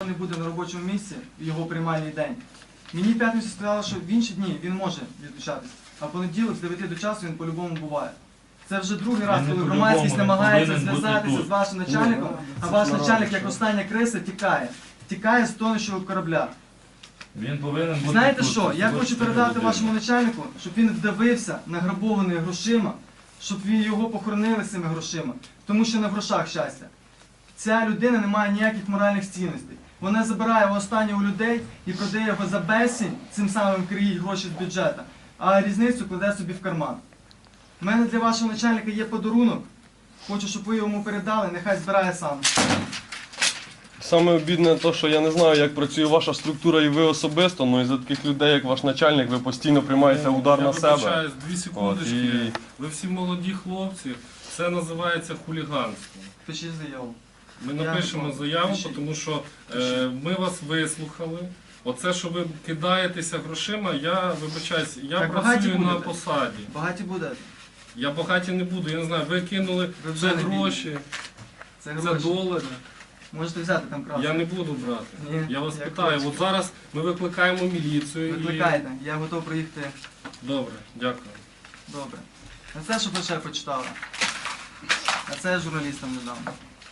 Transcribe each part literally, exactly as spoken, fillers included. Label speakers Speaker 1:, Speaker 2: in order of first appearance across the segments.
Speaker 1: не буде на робочому місці в його приймальний день. Мені в п'ятницю сказали, що в інші дні він може відлучатись, а в понеділок з дев'яти до часу він по-любому буває. Це вже другий раз,
Speaker 2: Він не
Speaker 1: коли
Speaker 2: по-любому,
Speaker 1: громадськість
Speaker 2: він
Speaker 1: намагається
Speaker 2: повинен бути
Speaker 1: зв'язатися
Speaker 2: тут.
Speaker 1: з вашим начальником, а ваш начальник, як остання криса, тікає. Тікає з тонущого корабля.
Speaker 2: Він повинен бути
Speaker 1: Знаєте
Speaker 2: тут,
Speaker 1: що, я
Speaker 2: тут
Speaker 1: хочу
Speaker 2: з
Speaker 1: передати
Speaker 2: людиною.
Speaker 1: вашому начальнику, щоб він вдавився награбованими грошима, щоб він його похоронили з цими грошима, тому що не в грошах щастя. Ця людина не має ніяких моральних цінностей. Вона забирає останнє у людей і продає його за безцінь, цим самим криє гроші з бюджету, а різницю кладе собі в карман. У мене для вашого начальника є подарунок. Хочу, щоб ви йому передали, нехай збирає сам.
Speaker 3: Саме обідне те, що я не знаю, як працює ваша структура і ви особисто, але із-за таких людей, як ваш начальник, ви постійно приймаєте удар на себе.
Speaker 4: Я вибачаюсь, дві секундочки.
Speaker 3: От, і-
Speaker 4: Ви всі молоді хлопці. Це називається хуліганство.
Speaker 1: Пишіть заяву.
Speaker 4: Ми
Speaker 1: Я
Speaker 4: напишемо
Speaker 1: не
Speaker 4: заяву,
Speaker 1: пишіть.
Speaker 4: тому що е, ми вас вислухали. Оце, що ви кидаєтеся грошима, я вибачаюсь, я
Speaker 1: Так багаті
Speaker 4: працюю на
Speaker 1: будете?
Speaker 4: посаді.
Speaker 1: Багаті буде.
Speaker 4: Я багаті не буду, я не знаю, ви кинули
Speaker 1: Ви вже
Speaker 4: це
Speaker 1: не
Speaker 4: гроші,
Speaker 1: Це
Speaker 4: це
Speaker 1: гроші.
Speaker 4: долари.
Speaker 1: Можете взяти там краску.
Speaker 4: Я не буду брати.
Speaker 1: Ні,
Speaker 4: Я вас
Speaker 1: як
Speaker 4: питаю,
Speaker 1: хочете.
Speaker 4: от зараз ми викликаємо міліцію і...
Speaker 1: Викликайте, я готов приїхати.
Speaker 4: Добре, дякую.
Speaker 1: Добре. А це, щоб ви ще почитали. А це я журналістам не дам.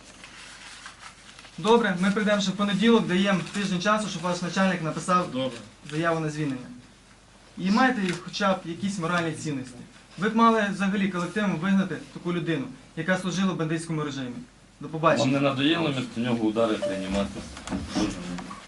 Speaker 1: Добре, ми прийдемо ще в понеділок, даємо тиждень часу, щоб ваш начальник написав
Speaker 4: Добре.
Speaker 1: заяву на звільнення. І маєте хоча б якісь моральні цінності. Ви б мали взагалі колективом вигнати таку людину, яка служила в бандитському режимі. До
Speaker 2: Вам
Speaker 1: побачення.
Speaker 2: не надоїло вместо нього удари приймати? Дуже.